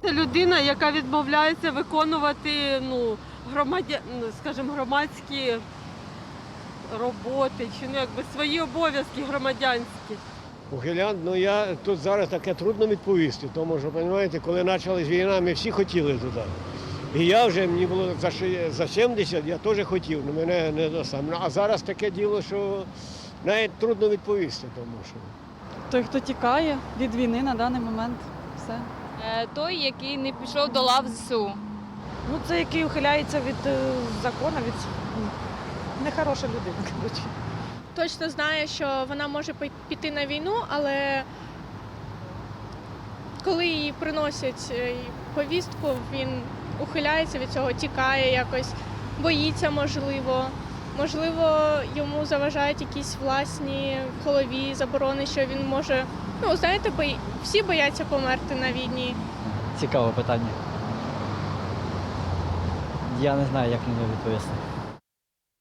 Це людина, яка відмовляється виконувати скажімо, громадські роботи чи свої обов'язки громадянські. Ухилянт, я тут зараз таке трудно відповісти, тому що, розумієте, коли почалась війна, ми всі хотіли туди. І я вже, мені було за 70, я теж хотів, але мене не сам. А зараз таке діло, що навіть трудно відповісти, тому що. Той, хто тікає від війни на даний момент, все. Той, який не пішов до лав ЗСУ. Це який ухиляється від закону, нехороша людина, коротше. Точно знає, що вона може піти на війну, але коли їй приносять повістку, він ухиляється від цього, тікає якось, боїться, можливо, йому заважають якісь власні в голові заборони, що він може, знаєте, всі бояться померти на війні. Цікаве питання. Я не знаю, як на нього відповісти.